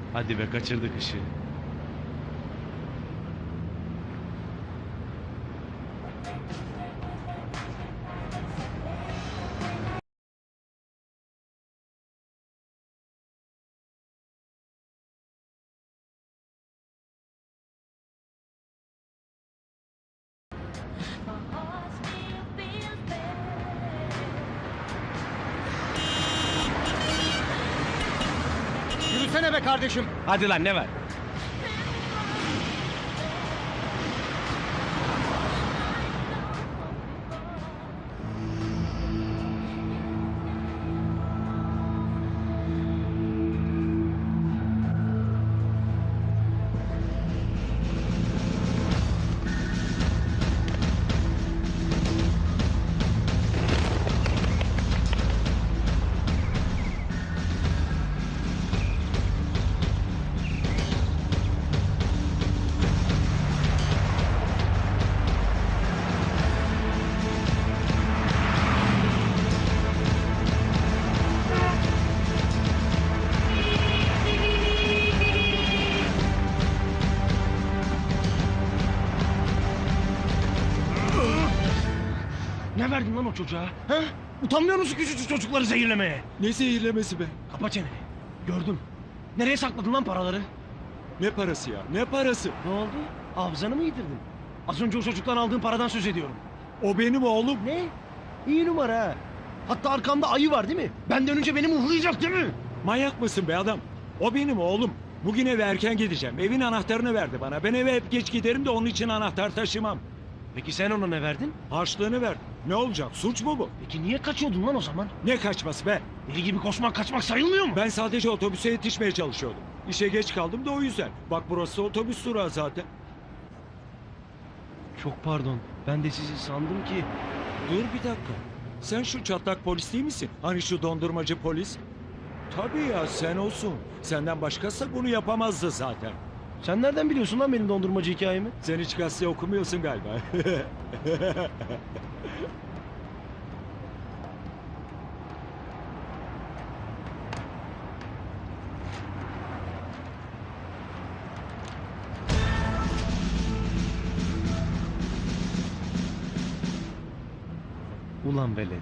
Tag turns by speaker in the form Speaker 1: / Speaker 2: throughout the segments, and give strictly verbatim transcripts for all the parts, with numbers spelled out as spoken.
Speaker 1: Hadi be, kaçırdık ışığı.
Speaker 2: Yürüsene be kardeşim.
Speaker 1: Hadi lan, ne var? Ne verdin lan o çocuğa? Ha? Utanmıyor musun küçücük çocukları zehirlemeye?
Speaker 3: Ne zehirlemesi be?
Speaker 1: Kapa çeneni. Gördüm. Nereye sakladın lan paraları?
Speaker 3: Ne parası ya? Ne parası?
Speaker 1: Ne oldu? Hafızanı mı yitirdin? Az önce o çocuktan aldığın paradan söz ediyorum.
Speaker 3: O benim oğlum.
Speaker 1: Ne? İyi numara ha. Hatta arkamda ayı var değil mi? Benden önce beni muhlayacak değil mi?
Speaker 3: Manyak mısın be adam? O benim oğlum. Bugün eve erken gideceğim. Evin anahtarını verdi bana. Ben eve hep geç giderim de onun için anahtar taşımam.
Speaker 1: Peki sen ona ne verdin?
Speaker 3: Harçlığını ver. Ne olacak? Suç mu bu?
Speaker 1: Peki niye kaçıyordun lan o zaman?
Speaker 3: Ne kaçması be?
Speaker 1: Deli gibi koşmak kaçmak sayılmıyor mu?
Speaker 3: Ben sadece otobüse yetişmeye çalışıyordum. İşe geç kaldım da o yüzden. Bak burası otobüs durağı zaten.
Speaker 1: Çok pardon. Ben de sizi sandım ki...
Speaker 3: Dur bir dakika. Sen şu çatlak polis değil misin? Hani şu dondurmacı polis? Tabii ya sen olsun. Senden başkası bunu yapamazdı zaten.
Speaker 1: Sen nereden biliyorsun lan benim dondurmacı hikayemi?
Speaker 3: Sen hiç gazete okumuyorsun galiba.
Speaker 1: Ulan velet.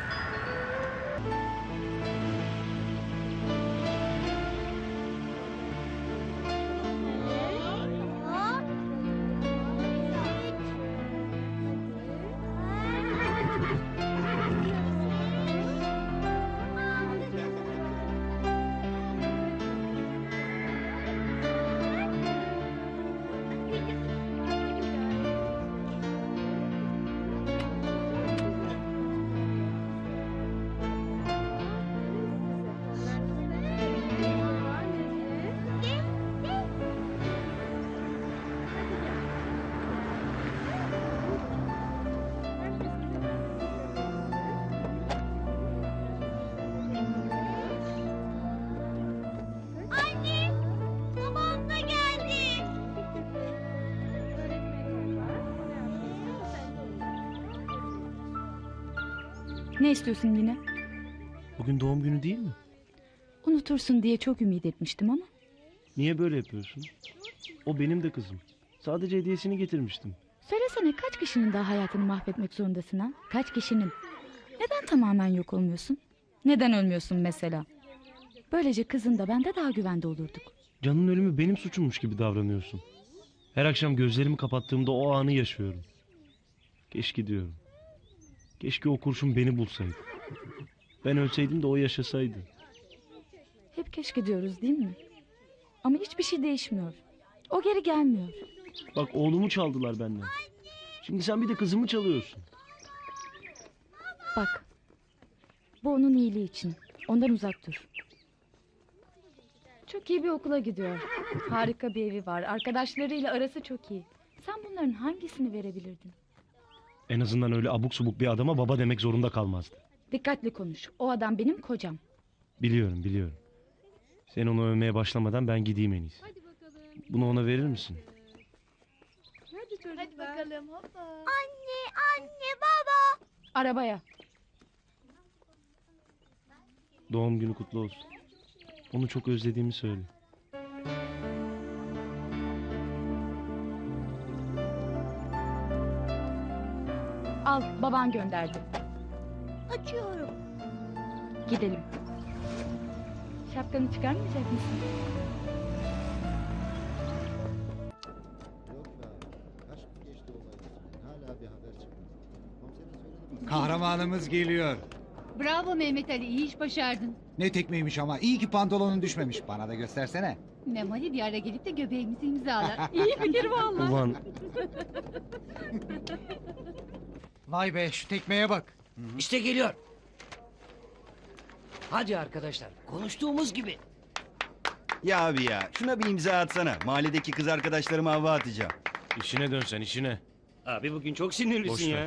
Speaker 4: Anne, babam da geldi.
Speaker 5: Ne istiyorsun yine?
Speaker 1: Bugün doğum günü değil mi?
Speaker 5: Unutursun diye çok ümit etmiştim ama.
Speaker 1: Niye böyle yapıyorsun? O benim de kızım. Sadece hediyesini getirmiştim.
Speaker 5: Söylesene, kaç kişinin daha hayatını mahvetmek zorundasın ha? Kaç kişinin? Neden tamamen yok olmuyorsun? Neden ölmüyorsun mesela? Böylece kızın da ben de daha güvende olurduk.
Speaker 1: Can'ın ölümü benim suçummuş gibi davranıyorsun. Her akşam gözlerimi kapattığımda o anı yaşıyorum. Keşke diyorum. Keşke o kurşun beni bulsaydı. Ben ölseydim de o yaşasaydı.
Speaker 5: Hep keşke diyoruz değil mi? Ama hiçbir şey değişmiyor. O geri gelmiyor.
Speaker 1: Bak, oğlumu çaldılar benden. Şimdi sen bir de kızımı çalıyorsun.
Speaker 5: Bak. Bu onun iyiliği için. Ondan uzak dur. Çok iyi bir okula gidiyor. Harika bir evi var. Arkadaşlarıyla arası çok iyi. Sen bunların hangisini verebilirdin?
Speaker 1: En azından öyle abuk subuk bir adama baba demek zorunda kalmazdı.
Speaker 5: Dikkatli konuş. O adam benim kocam.
Speaker 1: Biliyorum, biliyorum. Sen onu övmeye başlamadan ben gideyim en iyisi. Bunu ona verir misin?
Speaker 4: Hadi bakalım hoppa. Anne, anne, baba.
Speaker 5: Arabaya.
Speaker 1: Doğum günü kutlu olsun. Onu çok özlediğimi söyle.
Speaker 5: Al, baban gönderdi.
Speaker 4: Açıyorum.
Speaker 5: Gidelim. Şapkanı çıkarmayacak mısın?
Speaker 2: Yok be abi. Kaç gün geçti olaydan. Hala bir haber çıkmadı. Komiserin söyledi mi?
Speaker 6: Kahramanımız geliyor.
Speaker 7: Bravo Mehmet Ali, iyi iş başardın.
Speaker 6: Ne tekmeymiş ama. İyi ki pantolonun düşmemiş. Bana da göstersene.
Speaker 7: Memali bir ara gelip de göbeğimizi imzalar.
Speaker 5: İyi fikir vallahi.
Speaker 1: Ulan
Speaker 6: Vay be, şu tekmeye bak.
Speaker 8: İşte geliyor. Hadi arkadaşlar, konuştuğumuz gibi.
Speaker 9: Ya abi ya şuna bir imza atsana. Mahalledeki kız arkadaşlarıma hava atacağım.
Speaker 1: işine dön sen işine.
Speaker 8: Abi bugün çok
Speaker 1: Boş
Speaker 8: sinirlisin
Speaker 1: ver.
Speaker 8: ya.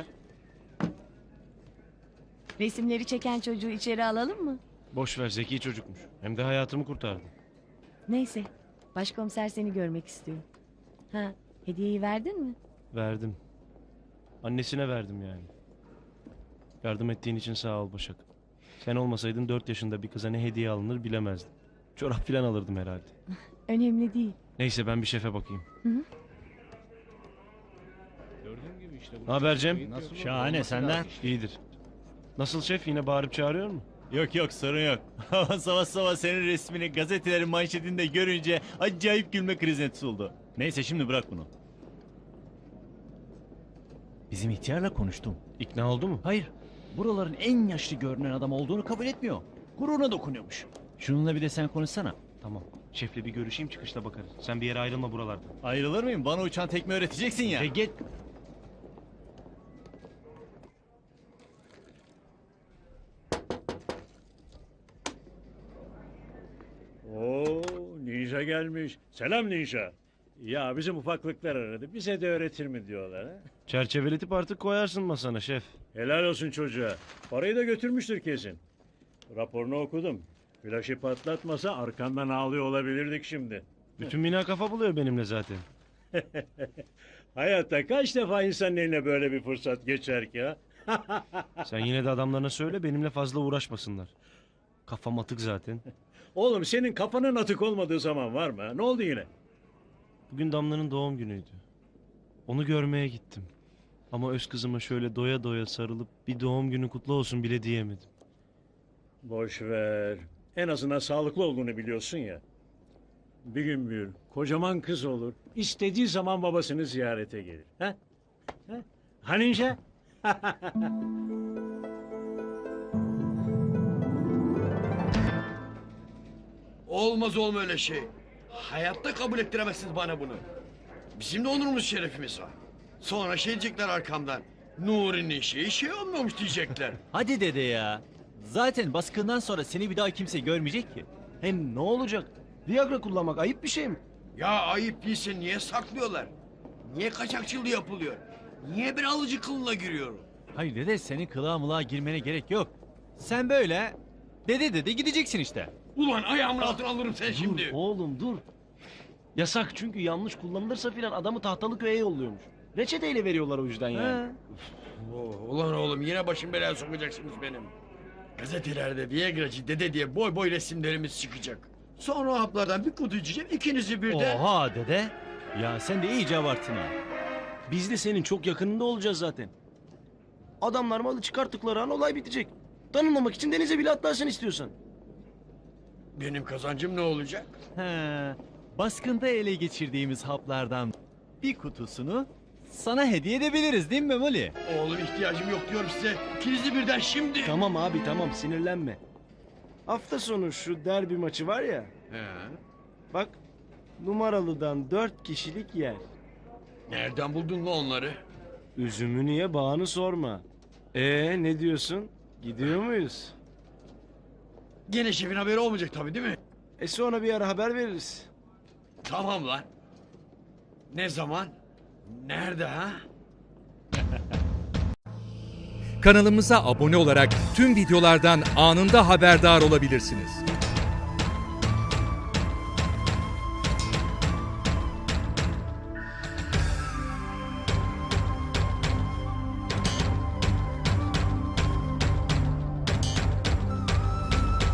Speaker 10: Resimleri çeken çocuğu içeri alalım mı?
Speaker 1: Boş ver, zeki çocukmuş. Hem de hayatımı kurtardı.
Speaker 10: Neyse. Başkomiser seni görmek istiyor. Ha, hediyeyi verdin mi?
Speaker 1: Verdim. Annesine verdim yani. Yardım ettiğin için sağ ol Başak. Sen olmasaydın dört yaşında bir kıza ne hediye alınır bilemezdim. Çorap falan alırdım herhalde.
Speaker 10: Önemli değil.
Speaker 1: Neyse ben bir şefe bakayım.
Speaker 10: Hı hı.
Speaker 1: Ne haber Cem?
Speaker 11: Şahane, senden?
Speaker 1: İyidir. Nasıl şef, yine bağırıp çağırıyor mu?
Speaker 11: Yok yok, sorun yok. Ama sabah sabah senin resmini gazetelerin manşetinde görünce acayip gülme krizine tutuldu. Neyse şimdi bırak bunu. Bizim ihtiyarla konuştum.
Speaker 1: İkna oldu mu?
Speaker 11: Hayır, buraların en yaşlı görünen adam olduğunu kabul etmiyor. Gururuna dokunuyormuş. Şununla bir de sen konuşsana.
Speaker 1: Tamam. Şefle bir görüşeyim, çıkışta bakarız. Sen bir yere ayrılma buralardan.
Speaker 11: Ayrılır mıyım? Bana uçan tekme öğreteceksin ya.
Speaker 1: E git.
Speaker 12: Oo, Ninja gelmiş. Selam Ninja. Ya bizim ufaklıklar aradı. Bize de öğretir mi diyorlar ha?
Speaker 1: Çerçeveletip artık koyarsın masana şef.
Speaker 12: Helal olsun çocuğa. Parayı da götürmüştür kesin. Raporunu okudum. Flaşı patlatmasa arkandan ağlıyor olabilirdik şimdi.
Speaker 1: Bütün bina kafa buluyor benimle zaten.
Speaker 12: Hayatta kaç defa insanın eline böyle bir fırsat geçer ki ha?
Speaker 1: Sen yine de adamlarına söyle benimle fazla uğraşmasınlar. Kafam atık zaten.
Speaker 12: Oğlum senin kafanın atık olmadığı zaman var mı? ha? Ne oldu yine?
Speaker 1: Bugün Damla'nın doğum günüydü. Onu görmeye gittim. Ama öz kızıma şöyle doya doya sarılıp bir doğum günü kutlu olsun bile diyemedim.
Speaker 12: Boş ver. En azından sağlıklı olduğunu biliyorsun ya. Bir gün büyür, kocaman kız olur. İstediği zaman babasını ziyarete gelir. Ha? Ha? Ha Ninja?
Speaker 8: Olmaz olma öyle şey. Hayatta kabul ettiremezsiniz bana bunu. Bizim de onurumuz şerefimiz var. Sonra şey diyecekler arkamdan. Nuri'nin şeyi şey olmamış diyecekler.
Speaker 11: Hadi dede ya. Zaten baskından sonra seni bir daha kimse görmeyecek ki.
Speaker 1: Hem ne olacak? Viagra kullanmak ayıp bir şey mi?
Speaker 8: Ya ayıp değilse niye saklıyorlar? Niye kaçakçılığı yapılıyor? Niye bir alıcı kılına giriyor?
Speaker 11: Hayır dede, senin kılığa mılığa girmene gerek yok. Sen böyle dede dede gideceksin işte.
Speaker 8: Ulan ayağımın altına alırım sen şimdi.
Speaker 1: Dur oğlum dur. Yasak çünkü yanlış kullanılırsa filan adamı tahtalı köye yolluyormuş. Reçeteyle veriyorlar o yüzden yani.
Speaker 11: Ha.
Speaker 8: Oo, ulan oğlum yine başım belaya sokacaksınız benim. Gazetelerde Viagra'cı dede diye boy boy resimlerimiz çıkacak. Sonra o haplardan bir kutu içeceğim ikinizi birden.
Speaker 11: Oha dede. Ya sen de iyice abarttın ha.
Speaker 1: Biz de senin çok yakınında olacağız zaten. Adamlar malı çıkarttıkları an olay bitecek. Tanınmamak için denize bile atlarsın istiyorsan.
Speaker 8: Benim kazancım ne olacak?
Speaker 11: He. Baskında ele geçirdiğimiz haplardan bir kutusunu sana hediye edebiliriz değil mi Memoli?
Speaker 8: Oğlum ihtiyacım yok diyorum size. İkinizi birden şimdi.
Speaker 1: Tamam abi tamam sinirlenme. Hafta sonu şu derbi maçı var ya.
Speaker 8: He.
Speaker 1: Bak numaralıdan dört kişilik yer.
Speaker 8: Nereden buldun lan onları?
Speaker 1: Üzümü niye bağını sorma. Ee ne diyorsun? Gidiyor muyuz?
Speaker 8: Gene şefin haberi olmayacak tabii değil mi?
Speaker 1: E sonra bir ara haber veririz.
Speaker 8: Tamam lan. Ne zaman? Nerede ha?
Speaker 13: Kanalımıza abone olarak tüm videolardan anında haberdar olabilirsiniz.